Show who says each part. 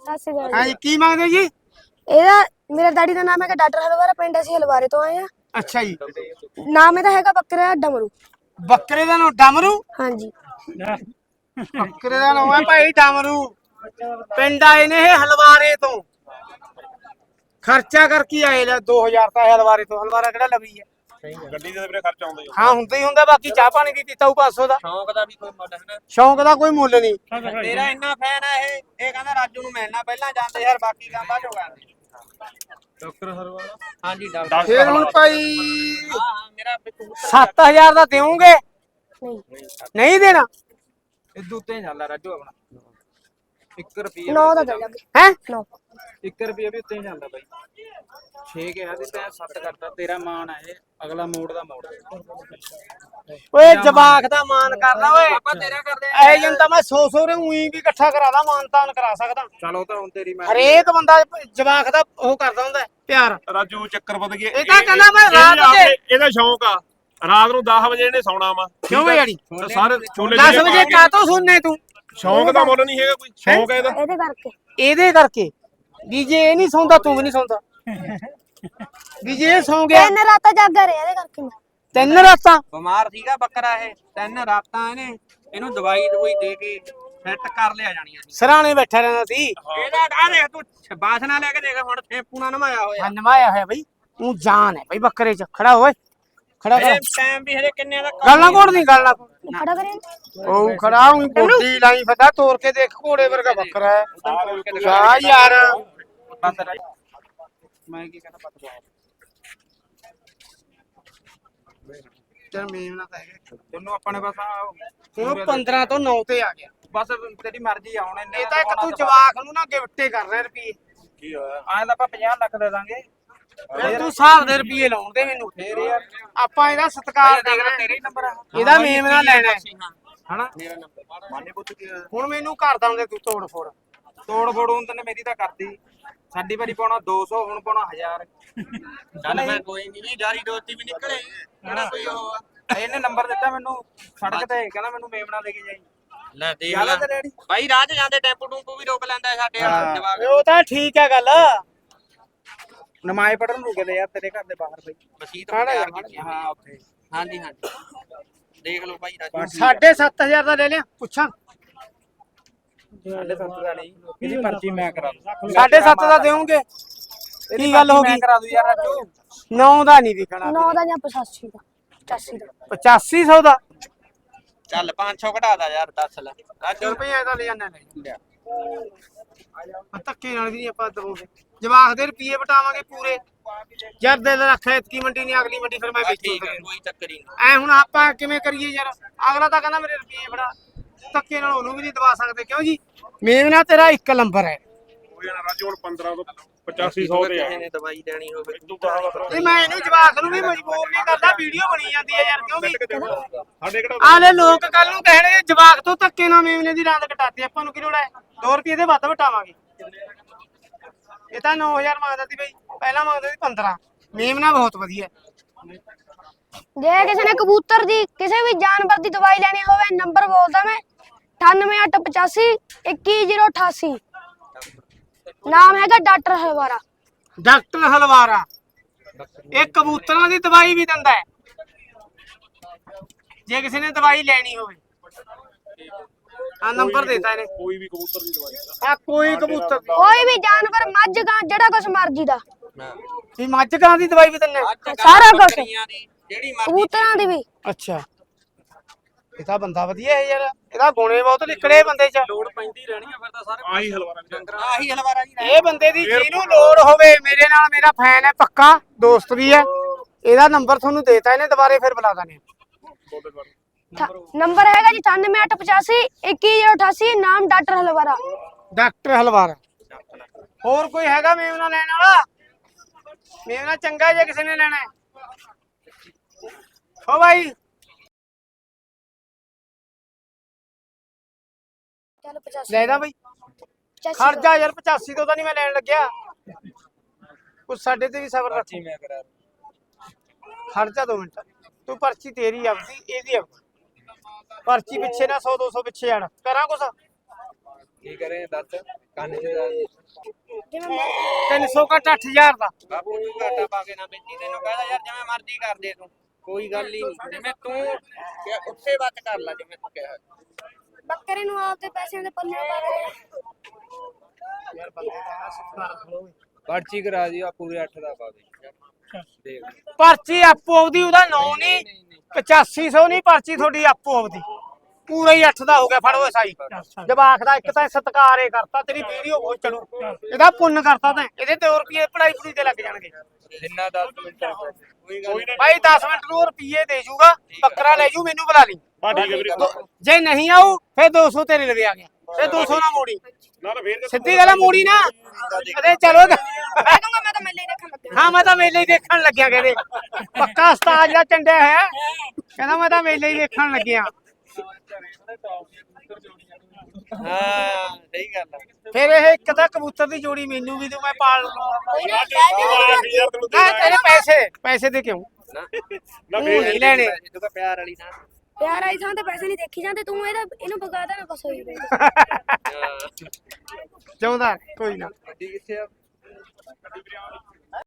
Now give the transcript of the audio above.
Speaker 1: ਸਤਿ ਸ਼੍ਰੀ ਅਕਾਲ
Speaker 2: ਹਾਂਜੀ ਕੀ ਮੰਗਦੇ ਜੀ?
Speaker 1: ਇਹਦਾ ਮੇਰਾ ਡੈਡੀ ਦਾ ਨਾਮ ਹੈਗਾ ਡਾਕਟਰ ਹਲਵਾਰਾ, ਪਿੰਡ ਅਸੀਂ ਹਲਵਾਰੇ ਤੋਂ ਆਏ ਆ।
Speaker 2: ਅੱਛਾ ਜੀ।
Speaker 1: ਨਾਮ ਇਹਦਾ ਹੈਗਾ ਬੱਕਰਾ ਡਮਰੂ।
Speaker 2: ਬੱਕਰੇ ਦਾ ਨਾਮ ਡਮਰੂ?
Speaker 1: ਹਾਂਜੀ।
Speaker 2: ਬੱਕਰੇ ਦਾ ਨਾਮ ਹੈ ਭਾਈ ਡਮਰੂ। ਪਿੰਡ ਆਏ ਨੇ ਇਹ ਹਲਵਾਰੇ ਤੋਂ। ਖਰਚਾ ਕਰਕੇ ਆਏ ਲੈ 2000 ਤਾਂ ਹਲਵਾਰੇ ਤੋਂ। ਹਲਵਾਰਾ ਕਿਹੜਾ ਲਵੀ ਹੈ?
Speaker 3: ਗੱਡੀ ਦੇ ਵੀਰੇ ਖਰਚਾ ਆਉਂਦਾ ਹੀ
Speaker 2: ਹਾਂ ਹੁੰਦਾ ਹੀ ਹੁੰਦਾ। ਬਾਕੀ ਚਾਹ ਪਾਣੀ ਦੀ ਦਿੱਤਾ 500 ਦਾ।
Speaker 3: ਸ਼ੌਂਕ ਦਾ ਵੀ ਕੋਈ ਮੁੱਲ ਹੈ ਨਾ।
Speaker 2: ਸ਼ੌਂਕ ਦਾ ਕੋਈ ਮੁੱਲ ਨਹੀਂ।
Speaker 3: ਤੇਰਾ ਇੰਨਾ ਫੈਨ ਆ ਇਹ ਕਹਿੰਦਾ ਰਾਜੂ ਨੂੰ ਮਿਲਣਾ ਪਹਿਲਾਂ ਜਾਂਦੇ ਯਾਰ, ਬਾਕੀ ਕੰਮ ਬਾਅਦ ਚੋਂ ਕਰਦੇ। ਡਾਕਟਰ ਹਰਵਾਲਾ ਹਾਂਜੀ ਡਾਕਟਰ।
Speaker 2: ਫੇਰ ਹੁਣ ਭਾਈ
Speaker 3: ਹਾਂ ਮੇਰਾ
Speaker 2: 7000 ਦਾ ਦੇਵੋਗੇ?
Speaker 1: ਨਹੀਂ
Speaker 2: ਨਹੀਂ ਦੇਣਾ?
Speaker 3: ਇਦੋਂ ਉੱਤੇ ਜਾਂਦਾ ਰਾਜੂ ਆਪਣਾ 1 ਰੁਪਿਆ
Speaker 1: 9 ਦਾ ਦੇ ਲੱਗੇ।
Speaker 2: ਹੈ
Speaker 1: 9
Speaker 3: 1 ਰੁਪਿਆ ਵੀ ਉੱਤੇ ਹੀ ਜਾਂਦਾ ਬਾਈ। 6 ਕਿਹਾ ਤੇ ਤੈਂ 7 ਕਰਤਾ। ਤੇਰਾ ਮਾਨ ਆ ਇਹ, ਅਗਲਾ ਮੋੜ ਦਾ ਮੋੜ।
Speaker 2: ਓਏ ਜਵਾਕ ਦਾ ਮਾਨ ਕਰਦਾ ਓਏ।
Speaker 3: ਆਪਾਂ ਤੇਰਾ ਕਰਦੇ ਆ।
Speaker 2: ਐ ਜੰਤਾ ਮੈਂ 100 ਰੇ ਉਹੀ ਵੀ ਇਕੱਠਾ ਕਰਾਦਾ, ਮਾਨ ਤਾਨ ਕਰਾ ਸਕਦਾ।
Speaker 3: ਚਲੋ ਤਾਂ ਹੁਣ ਤੇਰੀ ਮੈਂ
Speaker 2: ਹਰੇਕ ਬੰਦਾ ਜਵਾਕ ਦਾ ਉਹ ਕਰਦਾ ਹੁੰਦਾ ਪਿਆਰ।
Speaker 4: ਰਾਜੂ ਚੱਕਰ ਵੱਧ ਗਿਆ।
Speaker 2: ਇਹ ਤਾਂ ਕਹਿੰਦਾ ਮੈਂ ਰਾਤ ਦੇ
Speaker 4: ਇਹਦਾ ਸ਼ੌਂਕ ਆ ਰਾਤ ਨੂੰ 10 ਵਜੇ ਇਹਨੇ ਸੌਣਾ ਵਾ।
Speaker 2: ਕਿਉਂ ਬਈ ਯਾਰੀ
Speaker 4: ਸਾਰੇ ਛੋਲੇ
Speaker 2: 10 ਵਜੇ ਕਾਤੋਂ ਸੁਣਨੇ ਤੂੰ?
Speaker 4: ਸ਼ੌਂਕ ਦਾ ਮੁੱਲ ਨਹੀਂ ਹੈਗਾ ਕੋਈ। ਸ਼ੌਂਕ ਹੈ ਇਹਦਾ।
Speaker 1: ਇਹਦੇ ਕਰਕੇ।
Speaker 2: ਇਹਦੇ ਕਰਕੇ ਵੀ ਜੇ ਇਹ ਨਹੀਂ ਸੌਂਦਾ ਤੂੰ ਵੀ ਨਹੀਂ ਸੌਂਦਾ। ਵੀ ਜੇ ਇਹ ਸੌਂ ਗਿਆ
Speaker 1: 3 ਰਾਤਾਂ ਜਾਗਾ ਰਿਹਾ ਇਹਦੇ ਕਰਕੇ ਮੈਂ।
Speaker 2: 3 ਰਾਤਾਂ
Speaker 3: ਬਿਮਾਰ ਸੀਗਾ ਬੱਕਰਾ ਇਹ। 3 ਰਾਤਾਂ ਇਹਨੂੰ ਦਵਾਈ ਦੇ ਕੇ ਸੈੱਟ ਕਰ ਲਿਆ ਜਾਣੀਆਂ ਸੀ।
Speaker 2: ਸਰਾਣੇ ਬੈਠਾ ਰਹਿੰਦਾ ਸੀ।
Speaker 3: ਇਹਦਾ ਆ ਦੇਖ ਤੂੰ ਬਾਸਨਾ ਲੈ ਕੇ ਦੇਖ ਹੁਣ ਸ਼ੈਂਪੂ ਨਾਲ ਨਵਾਇਆ ਹੋਇਆ।
Speaker 2: ਹਾਂ ਨਵਾਇਆ ਹੋਇਆ ਬਈ। ਤੂੰ ਜਾਨ ਹੈ ਬਈ ਬੱਕਰੇ ਚ। ਖੜਾ ਹੋਏ ਖੜਾ ਕਰ।
Speaker 3: ਇਹ ਟਾਈਮ ਵੀ ਹਰੇ ਕਿੰਨੇ ਦਾ
Speaker 2: ਗੱਲ ਨਾ ਘੋੜ ਨਹੀਂ ਗੱਲ ਨਾ
Speaker 1: ਖੜਾ ਕਰੇ।
Speaker 2: ਉਹ ਖੜਾ ਹੂੰ ਬੋਡੀ ਲਾਈ ਫਦਾ ਤੋੜ ਕੇ ਦੇਖ ਘੋੜੇ ਵਰਗਾ ਬੱਕਰਾ ਹੈ। ਜਾ ਯਾਰ
Speaker 3: ਮੈਂ ਕੀ ਕਹਿੰਦਾ ਪਤਾ
Speaker 2: ਚਲ ਮੇਵਨਾ ਤਾਂ ਹੈਗਾ।
Speaker 3: ਤੈਨੂੰ ਆਪਾਂ ਨੇ ਬਸ
Speaker 2: ਹੁਣ 15 ਤੋਂ 9 ਤੇ ਆ ਗਿਆ।
Speaker 3: ਬਸ ਤੇਰੀ ਮਰਜ਼ੀ ਆ ਹੁਣ।
Speaker 2: ਇਹ ਤਾਂ ਇੱਕ ਤੂੰ ਜਵਾਕ ਨੂੰ ਨਾ ਗਿਫਟੇ ਕਰ ਰਿਹਾ ਰੁਪਏ।
Speaker 4: ਕੀ ਹੋਇਆ?
Speaker 3: ਆਏ ਤਾਂ ਆਪਾਂ 50 ਲੱਖ ਦੇ ਦਾਂਗੇ।
Speaker 2: ਫਿਰ ਤੂੰ ਹਿਸਾਬ ਦੇ ਰੁਪਏ ਲਾਉਣ ਦੇ ਮੈਨੂੰ।
Speaker 3: ਫੇਰ ਯਾਰ
Speaker 2: ਆਪਾਂ ਇਹਦਾ ਸਤਿਕਾਰ
Speaker 3: ਦੇਖ ਲੈ
Speaker 2: ਕਰਨਾ।
Speaker 3: ਤੇਰਾ ਹੀ ਨੰਬਰ ਆ।
Speaker 2: ਇਹਦਾ ਮੇਮਨਾ ਲੈਣਾ ਹੈ।
Speaker 3: ਹਨਾ
Speaker 4: ਮੇਰਾ ਨੰਬਰ ਮਾਨੇ ਪੁੱਤ ਕੀ ਹੋਇਆ?
Speaker 2: ਹੁਣ ਮੈਨੂੰ ਘਰ ਦਾ ਹੁੰਦੇ ਤੂੰ ਤੋੜ ਫੋੜ।
Speaker 3: ਤੋੜ ਫੋੜ ਹੁਣ ਤੈਨੂੰ ਮੇਰੀ ਤਾਂ ਕਰਦੀ। ਸਾਡੀ ਵਾਰੀ ਪਾਉਣਾ 200 ਹੁਣ ਪਾਉਣਾ 1000। ਚੱਲ ਮੈਂ ਕੋਈ ਨਹੀਂ ਜਾਰੀ ਦੋਸਤੀ ਵੀ ਨਿਕਲੇ ਹਨਾ ਕੋਈ ਉਹ ਇਹਨੇ ਨੰਬਰ ਦਿੱਤਾ ਮੈਨੂੰ ਸੜਕ ਤੇ ਕਹਿੰਦਾ ਮੈਨੂੰ ਮੇਮਣਾ ਲੈ ਕੇ ਜਾਈ। ਲੈ ਦੇਖ ਲੈ ਬਾਈ ਰਾਹ 'ਚ ਜਾਂਦੇ ਟੈਂਪੂ ਟੂਪੂ ਵੀ ਰੋਕ ਲੈਂਦਾ ਸਾਡੇ ਵਾਲਾ ਜਵਾਕ।
Speaker 2: ਉਹ ਤਾਂ ਠੀਕ ਹੈ ਗੱਲ।
Speaker 3: ਨਮਾਜ਼ ਪੜਨ ਰੁਕੇ ਦੇ ਯਾਰ ਤੇਰੇ ਘਰ ਦੇ ਬਾਹਰ ਬਈ ਮਸਜਿਦ ਤਿਆਰ ਕੀਤੀ ਹਾਂ ਉੱਥੇ। ਹਾਂਜੀ ਹਾਂਜੀ ਦੇਖ ਲਓ ਭਾਈ ਰਾਜੂ
Speaker 2: 7,500 ਦਾ ਲੈ ਲਿਆ ਪੁੱਛਾਂ?
Speaker 3: 7.5 ਦਾ ਨਹੀਂ ਇਹਦੀ ਪਰਚੀ ਮੈਂ ਕਰਾ ਦੂੰ।
Speaker 2: 7.5 ਦਾ ਦੇਵੋਗੇ? ਕੀ ਗੱਲ ਹੋ
Speaker 3: ਮੈਂ
Speaker 2: ਗਈ?
Speaker 3: ਕਰਾ ਦੂੰ ਯਾਰ ਰਾਜੂ।
Speaker 2: 9 ਦਾ ਨਹੀਂ ਵਿਕਣਾ।
Speaker 1: 9 ਦਾ ਜਾਂ 85 ਦਾ 85 ਦਾ
Speaker 2: 8500 ਦਾ।
Speaker 3: ਚੱਲ 500 ਘਟਾ ਦਾ ਯਾਰ 10 ਲੈ ਰਾਜੂ
Speaker 2: ਰੁਪਏ ਦਾ ਲੈ ਜਾਣਾ ਲੈ। ਧੱਕੇ ਨਾਲ ਵੀ ਆਪਾਂ ਦਵਾਂਗੇ। ਜਵਾਕ ਦੇ ਰੁਪਏ ਵਟਾਵਾਂਗੇ ਪੂਰੇ। ਯਾਰ ਦਿਲ ਰੱਖ ਇਤਕੀ ਮੰਡੀ ਨਹੀਂ ਅਗਲੀ ਮੰਡੀ ਫਿਰ ਮੈਂ ਵੇਚੂ।
Speaker 3: ਕੋਈ ਚੱਕਰ ਹੀ ਨਹੀਂ।
Speaker 2: ਐ ਹੁਣ ਆਪਾਂ ਕਿਵੇਂ ਕਰੀਏ ਯਾਰ? ਅਗਲਾ ਤਾਂ ਕਹਿੰਦਾ ਮੇਰੇ ਰੁਪਏ ਫੜਾ। ਧੱਕੇ ਨਾਲ ਉਹਨੂੰ ਵੀ ਨਹੀਂ ਦਵਾ ਸਕਦੇ ਕਿਉਂ ਜੀ? ਮੇਵਨਾ ਤੇਰਾ 1 ਨੰਬਰ ਹੈ।
Speaker 4: ਹੋ ਜਾਣਾ ਰਾਜੂ ਹੁਣ 15 ਤੋਂ 8500 ਤੇ ਆ।
Speaker 3: ਨੇ ਦਵਾਈ ਲੈਣੀ ਹੋਵੇ
Speaker 4: ਤੂੰ ਕਹਾਂ
Speaker 2: ਤੇ ਮੈਂ ਇਹਨੂੰ ਜਵਾਕ ਨੂੰ ਵੀ ਮਜਬੂਰ ਨਹੀਂ ਕਰਦਾ। ਵੀਡੀਓ ਬਣੀ ਜਾਂਦੀ ਹੈ ਯਾਰ ਕਿਉਂ ਵੀ?
Speaker 4: ਸਾਡੇ ਕਿਹੜਾ
Speaker 2: ਆਲੇ ਲੋਕ ਕੱਲ ਨੂੰ ਕਹਿਣਗੇ ਜਵਾਕ ਤੋਂ ਧੱਕੇ ਨਾਲ ਮੇਵਨੇ ਦੀ ਰਾਂਦ ਕਟਾਤੀ। ਆਪਾਂ ਨੂੰ ਕੀ ਲੋੜ ਹੈ? 2 ਰੁਪਏ ਦੇ ਵੱਧ ਵਟਾਵਾਂਗੇ। ਇਹ ਤਾਂ 9000 ਮੰਗਦਾ ਸੀ ਬਈ। ਪਹਿਲਾਂ ਮੰਗਦਾ ਸੀ 15। ਮੇਮਨਾ ਬਹੁਤ ਵਧੀਆ।
Speaker 1: ਜੇ ਕਿਸੇ ਨੇ ਕਬੂਤਰ ਦੀ ਕਿਸੇ ਵੀ ਜਾਨਵਰ ਦੀ ਦਵਾਈ ਲੈਣੀ ਹੋਵੇ ਨੰਬਰ ਬੋਲਦਾ ਮੈਂ 9885 21088। ਨਾਮ ਹੈਗਾ ਡਾਕਟਰ ਹਲਵਾਰਾ।
Speaker 2: ਡਾਕਟਰ ਹਲਵਾਰਾ। ਇਹ ਕਬੂਤਰਾਂ ਦੀ ਦਵਾਈ ਵੀ ਦਿੰਦਾ ਹੈ ਜੇ ਕਿਸੇ ਨੇ ਦਵਾਈ ਲੈਣੀ ਹੋਵੇ। ਆ ਨੰਬਰ ਦੇਤਾ ਇਹਨੇ।
Speaker 4: ਕੋਈ ਵੀ ਕਬੂਤਰ ਦੀ ਦਵਾਈ
Speaker 2: ਆ ਕੋਈ ਕਬੂਤਰ ਦੀ।
Speaker 1: ਕੋਈ ਵੀ ਜਾਨਵਰ ਮੱਝ ਗਾਂ ਜਿਹੜਾ ਕੁਛ ਮਰਜੀ ਦਾ
Speaker 2: ਵੀ ਮੱਝ ਗਾਂ ਦੀ ਦਵਾਈ ਵੀ ਦਿੰਦਾ?
Speaker 1: ਸਾਰਾ ਕੁਛ।
Speaker 3: ਜਿਹੜੀ ਮਰਜ਼ੀ
Speaker 1: ਕਬੂਤਰਾਂ ਦੀ ਵੀ।
Speaker 2: ਅੱਛਾ ਇਹ ਤਾਂ ਬੰਦਾ ਵਧੀਆ ਹੈ ਯਾਰ। ਇਹਦਾ ਗੁਣੇ ਬਹੁਤ ਨਿਕਲੇ ਬੰਦੇ ਚ।
Speaker 3: ਲੋੜ ਪੈਂਦੀ ਰਹਿਣੀ ਆ ਫਿਰ ਤਾਂ ਸਾਰੇ
Speaker 4: ਆਹੀ ਹਲਵਾਰਾ ਨਹੀਂ
Speaker 3: ਆਹੀ ਹਲਵਾਰਾ ਜੀ
Speaker 2: ਇਹ ਬੰਦੇ ਦੀ ਜਿਹਨੂੰ ਲੋੜ ਹੋਵੇ ਮੇਰੇ ਨਾਲ ਮੇਰਾ ਫੈਨ ਹੈ ਪੱਕਾ ਦੋਸਤ ਵੀ ਹੈ। ਇਹਦਾ ਨੰਬਰ ਤੁਹਾਨੂੰ ਦੇਤਾ ਇਹਨੇ ਦੁਬਾਰੇ ਫਿਰ ਬੁਲਾ ਦਾਨੇ।
Speaker 1: ਨੰਬਰ ਹੈਗਾ ਜੀ 9885 21088। ਨਾਮ ਡਾਕਟਰ ਹਲਵਾਰਾ।
Speaker 2: ਡਾਕਟਰ ਹਲਵਾਰਾ। ਹੋਰ ਕੋਈ ਹੈਗਾ ਮੇਵਨਾ ਲੈਣ ਵਾਲਾ? ਮੇਵਨਾ ਚੰਗਾ ਜੇ ਕਿਸੇ ਨੇ ਲੈਣਾ ਹੈ। ਹੋ ਭਾਈ
Speaker 1: ਚੱਲ 85
Speaker 2: ਲੈ ਦਾ ਬਈ।
Speaker 1: 85
Speaker 2: ਖਰਚਾ ਯਾਰ 85 ਤੋਂ ਤਾਂ ਨਹੀਂ ਮੈਂ ਲੈਣ ਲੱਗਿਆ। ਕੁਛ ਸਾਡੇ ਤੇ ਵੀ ਸਬਰ ਰੱਖ।
Speaker 3: ਮੈਂ ਕਰਾ
Speaker 2: ਖਰਚਾ 2 ਮਿੰਟ। ਤੂੰ ਪਰਚੀ ਤੇਰੀ ਆਪਦੀ ਇਹਦੀ ਆਪਦੀ। ਪਰਚੀ ਪਿੱਛੇ ਨਾ 100 200 ਪਿੱਛੇ ਆਣ ਕਰਾਂ ਕੁਛ।
Speaker 3: ਕੀ ਕਰੇ ਦੱਸ ਕੰਨ ਚ
Speaker 1: ਜਿਵੇਂ ਮੈਂ
Speaker 2: 300 ਘੱਟ 8000 ਦਾ
Speaker 3: ਬਾਪੂ ਨੂੰ ਘਾਟਾ ਪਾ ਕੇ ਨਾ ਵੇਚੀ ਤੈਨੂੰ ਕਹਿੰਦਾ ਯਾਰ ਜਿਵੇਂ ਮਰਜ਼ੀ ਕਰ ਦੇ ਤੂੰ ਕੋਈ ਗੱਲ ਹੀ ਨਹੀਂ ਜਿਵੇਂ ਤੂੰ ਕਿਹਾ ਉੱਥੇ ਵੱਟ ਕਰ ਲੈ ਜਿਵੇਂ ਤੂੰ ਕਿਹਾ
Speaker 1: ਬੱਕਰੇ ਨੂੰ ਆਪਦੇ ਪੈਸਿਆਂ ਦੇ ਪੱਲੇ ਪਾ ਦੇ।
Speaker 2: ਯਾਰ ਬੰਦੇ ਦਾ ਸੁਖਾਰ ਖਲੋ
Speaker 3: ਪਰਚੀ ਕਰਾ ਦੀ ਆ ਪੂਰੇ 8 ਦਾ ਪਾ ਦੇ ਦੇਖ
Speaker 2: ਪਰਚੀ ਆਪੋ ਆਪਦੀ ਉਹਦਾ ਨਾਂ ਨਹੀਂ 8500 ਨਹੀਂ ਪਰਚੀ ਤੁਹਾਡੀ ਆਪੋ ਆਪਦੀ ਪੂਰਾ ਹੀ 8 ਦਾ ਹੋ ਗਿਆ ਫੜੋ ਸਾਈ ਜਵਾਕ ਦਾ ਇੱਕ ਤਾਂ ਸਤਿਕਾਰ ਏ ਕਰਤਾ ਤੇਰੀ ਵੀਡੀਓ ਬਹੁਤ ਚੜੂ ਇਹਦਾ ਪੁੰਨ ਕਰਤਾ ਤੈਂ ਇਹਦੇ 2 ਰੁਪਏ ਪੜਾਈ ਪੂਰੀ ਤੇ ਲੱਗ ਜਾਣਗੇ
Speaker 3: ਜਿੰਨਾ 10 ਮਿੰਟ ਕੋਈ ਗੱਲ ਨੀ।
Speaker 2: ਭਾਈ 10 ਮਿੰਟ ਨੂੰ ਰੁਪਏ ਦੇ ਜੂਗਾ ਬੱਕਰਾ ਲੈ ਜੂ ਮੈਨੂੰ ਬੁਲਾ ਲਈ
Speaker 4: ਬਾ ਠੀਕ ਹੈ ਵੀਰੇ
Speaker 2: ਜੇ ਨਹੀਂ ਆਊ ਫਿਰ 200 ਤੇਰੇ ਲਵੇ ਆ ਗਿਆ ਫਿਰ 200 ਨਾ ਮੋੜੀ
Speaker 4: ਨਾ ਨਾ ਫੇਰ
Speaker 2: ਸਿੱਧੀ ਗੱਲ ਆ, ਮੋੜੀ ਨਾ ਅਰੇ ਚਲੋ
Speaker 1: ਮੈਂ ਕਹੂੰਗਾ ਮੈਂ ਤਾਂ ਮੇਲੇ ਹੀ ਦੇਖਣ ਲੱਗਾ।
Speaker 2: ਹਾਂ ਮੈਂ ਤਾਂ ਮੇਲੇ ਹੀ ਦੇਖਣ ਲੱਗਿਆ ਕਹਿੰਦੇ ਪੱਕਾ ਉਸਤਾਦ ਜਾਂ ਚੰਡਿਆ ਹੈ ਕਹਿੰਦਾ ਮੈਂ ਤਾਂ ਮੇਲੇ ਹੀ ਦੇਖਣ ਲੱਗਿਆ
Speaker 3: ਹਾਂ ਸਹੀ ਗੱਲ ਆ
Speaker 2: ਫਿਰ ਇਹ ਇੱਕ ਤਾਂ ਕਬੂਤਰ ਦੀ ਜੋੜੀ ਮੈਨੂੰ ਵੀ ਤੂੰ ਮੈਂ ਪਾਲ ਲੂੰਗਾ
Speaker 4: ਯਾਰ ਤੈਨੂੰ
Speaker 2: ਨਾ ਤੇਰੇ ਪੈਸੇ ਦੇ ਕਿਉਂ
Speaker 3: ਨਾ
Speaker 4: ਨਾ
Speaker 2: ਤੂੰ
Speaker 4: ਫੇਰ
Speaker 2: ਨਹੀਂ ਲੈਣੇ
Speaker 3: ਤੂੰ ਤਾਂ ਪਿਆਰ ਵਾਲੀ ਨਾ
Speaker 1: ਪਿਆਰ ਆਈ ਥਾਂ ਤੇ ਪੈਸੇ ਨਹੀਂ ਦੇਖੀ ਜਾਂਦੇ ਤੂੰ ਇਹਨੂੰ ਬਗਾਦਾ ਨਾ ਕੁਛ ਹੋਈ
Speaker 2: ਚਾਹੁੰਦਾ ਕੋਈ ਨਾ
Speaker 3: ਗੱਡੀ ਕਿੱਥੇ ਆ